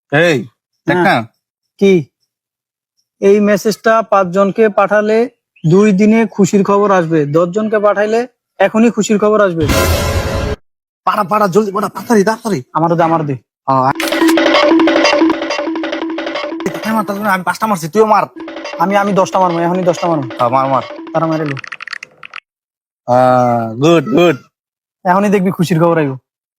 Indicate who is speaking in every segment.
Speaker 1: এই দেখ না
Speaker 2: কি এই মেসেজটা 5 জনকে পাঠালে 2 দিনে খুশির খবর আসবে, 10 জনকে পাঠাইলে এখনই খুশির খবর আসবে।
Speaker 1: পাড়া পাড়া জলদি পাড়া তাড়াতাড়ি তাড়াতাড়ি।
Speaker 2: আমার দে
Speaker 1: আমি 5টা মারছি, তুইও মার।
Speaker 2: আমি 10টা মারবো, এখনই 10টা মারবো।
Speaker 1: মার মার।
Speaker 2: তারা মেরে লো,
Speaker 1: গুড গুড।
Speaker 2: এখনই দেখবি খুশির খবর আইব।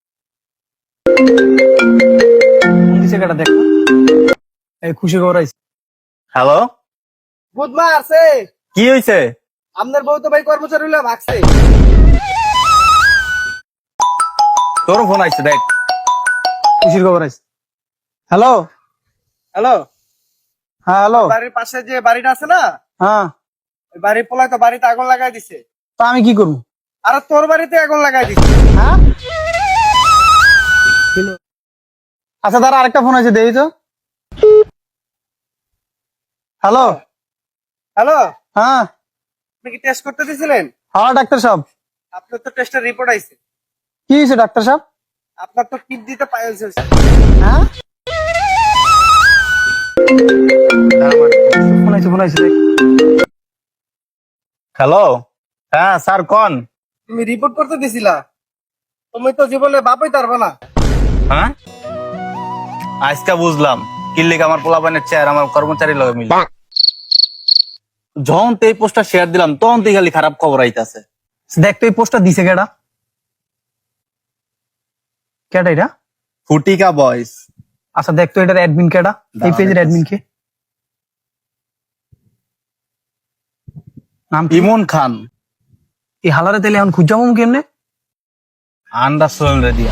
Speaker 2: দিছে কেটা দেখ, এই খুশির খবর আইছে।
Speaker 1: হ্যালো,
Speaker 3: বুধমা আছে।
Speaker 1: কি হইছে?
Speaker 3: আপনার বউ তো ভাই কর্মচারী হইলা ভাগছে।
Speaker 1: তোর ফোন আইছে, দেখ
Speaker 2: খুশির খবর আইছে। হ্যালো
Speaker 3: হ্যালো,
Speaker 2: হ্যাঁ হ্যালো।
Speaker 3: বাড়ির পাশে যে বাড়িটা আছে না,
Speaker 2: হ্যাঁ,
Speaker 3: ওই বাড়ির পোলা তো বাড়িতে আগুন লাগাই দিছে।
Speaker 2: তা আমি কি করবো?
Speaker 3: আর তোর বাড়িতে আগুন লাগাই দিছে।
Speaker 2: হ্যাঁ, আচ্ছা তার আরেকটা ফোন আছে, দেই তো। হ্যালো
Speaker 3: হ্যালো,
Speaker 2: হ্যাঁ
Speaker 3: আপনি কি টেস্ট করতে দিছিলেন?
Speaker 2: হ্যাঁ ডাক্তার সাহেব।
Speaker 3: আপনার তো টেস্টের রিপোর্ট আইছে।
Speaker 2: কি হয়েছে ডাক্তার সাহেব?
Speaker 3: আপনার তো কিডনিতে পাইলস হয়েছে।
Speaker 2: হ্যাঁ, ফোন আইছে দেখ।
Speaker 1: হ্যালো, হ্যাঁ স্যার কোন?
Speaker 3: তুমি রিপোর্ট করতে দিছিলা, তুমি তো জীবনে বাপই পারবে না।
Speaker 1: হ্যাঁ, আজকে বুঝলাম কিল্লিক আমার পোলাপানের চেয়ার আমার কর্মচারী লগে মিলে। যখন তো এই পোস্টটা শেয়ার দিলাম তখন তো খালি খারাপ খবর আইতাছে।
Speaker 2: দেখ তো এই পোস্টটা দিছে কেডা? কেডা এটা?
Speaker 1: ফুটিকা বয়স।
Speaker 2: আচ্ছা দেখ তো এটার অ্যাডমিন কেডা, এই পেজের অ্যাডমিন কে? নাম কি?
Speaker 1: ইমন খান।
Speaker 2: এই হালারে তেলে এখন খুঁজামু কেমনে?
Speaker 1: আন্ডা সোল রেডিয়া।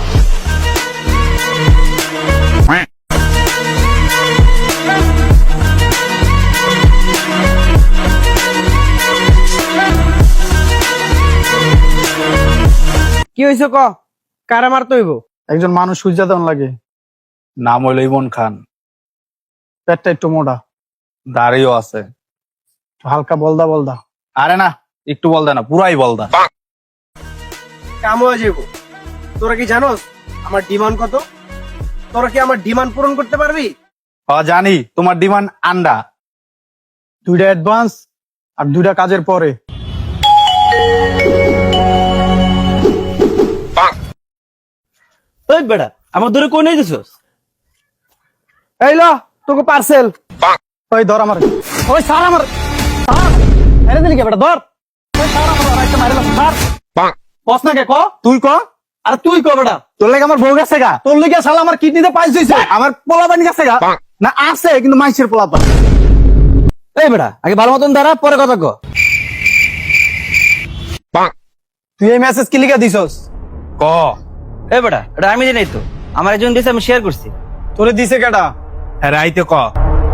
Speaker 3: কি হয়েছে ক? কারা মারতে হইব?
Speaker 2: একজন মানুষ খুঁজা দেন লাগে,
Speaker 1: নাম হইল ইমন খান।
Speaker 2: পেটটা একটু মোটা,
Speaker 1: দাড়িও আছে।
Speaker 2: হালকা বলদা।
Speaker 1: আরে না, একটু বলদা না, পুরাই বলদা।
Speaker 3: কাম হয়ে যাইব। তোরা কি জানোস আমার ডিমান্ড কত? তোরা কি আমার ডিমান্ড পূরণ করতে পারবি?
Speaker 1: জানি তোমার ডিমান্ড আন্ডা।
Speaker 2: 2টা অ্যাডভান্স আর 2টা কাজের পরে।
Speaker 4: ওই বেটা আমার দূরে কোন নিয়ে দিছস?
Speaker 3: এই ল তোকে পার্সেল।
Speaker 2: ওই ধর আমার, ওই সার আমার, এনে দিলি কে বেটা? ধর ওই সার আমার, আরেকটা মাইরে লাম সার। বস না কে ক?
Speaker 1: তুই ক।
Speaker 2: আরে তুই ক বেটা?
Speaker 1: তোর লাগে আমার বউ গেছে গা।
Speaker 2: তোর লিগে শালা আমার কিডনিতে পাইলস হইছে।
Speaker 1: আমার পোলাপানি গেছে গা। না আছে কিন্তু মাইসের পোলাপান।
Speaker 4: এই বেটা আগে ভালো মতন দাঁড়া, পরে কথা ক।
Speaker 2: তুই এই মেসেজ কি লিখে দিছস?
Speaker 1: ক।
Speaker 4: এই বেটা এটা আমি জানি তো, আমার একজন দিয়েছে, আমি শেয়ার করছি।
Speaker 2: তোরে দিছে কেডা?
Speaker 1: হ্যাঁ আইতে ক।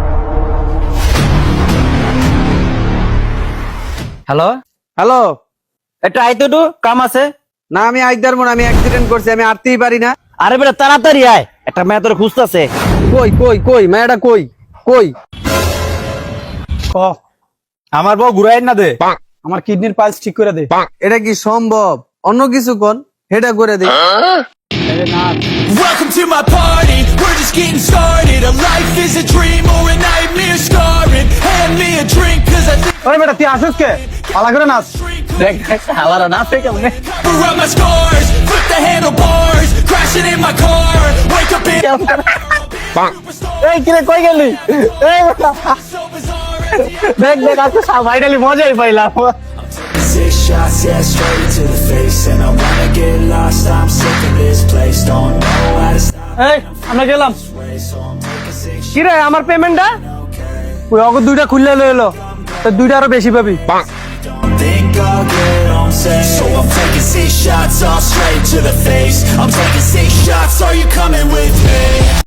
Speaker 4: হ্যালো
Speaker 3: হ্যালো,
Speaker 4: একটা আইতো তো কাম আছে।
Speaker 3: না আমি আইদার মন, আমি অ্যাক্সিডেন্ট করছি, আমি আরতেই পারি না।
Speaker 4: আরে বেটা তাড়াতাড়ি আয়, একটা মেয়ে তোর খুঁজতেছে।
Speaker 3: কই কই কই মেয়েটা কই কই?
Speaker 2: ক,
Speaker 1: আমার বউ ঘুরাই না দে।
Speaker 2: আমার কিডনির পাইলস ঠিক করে দে।
Speaker 3: এটা কি সম্ভব? অন্য কিছু কোন, হেডা করে দে।
Speaker 5: Welcome to my party, we're just getting started. A life is a dream or a nightmare scarring. Hand me a drink cause I think
Speaker 2: ওই বেটা তুই আসিস কে? পালা করে নাচ।
Speaker 4: দেখ হালারা না থেকে মনে
Speaker 5: cover up my scars. Flip the handlebars, crashing in my car. Wake up in
Speaker 2: এই কিরে কই গেলি? এই বেটা
Speaker 5: so bizarre.
Speaker 2: দেখ আজকে ফাইনালি মজাই পাইলাম।
Speaker 5: 6 shots, yeah, straight to the face. And I wanna get lost, I'm sick of this place. Don't know how to stop
Speaker 2: এই আমরা গেলাম।
Speaker 5: way, so I'm taking 6
Speaker 3: কি রে আমার পেমেন্টটা?
Speaker 2: ওই অগর 2টা খুললে লয়ে এলো, তো 2টা আরো বেশি পাবি।
Speaker 5: Don't think I'll get on safe. So I'm taking 6 shots all straight to the face. I'm taking 6 shots, are you coming with me?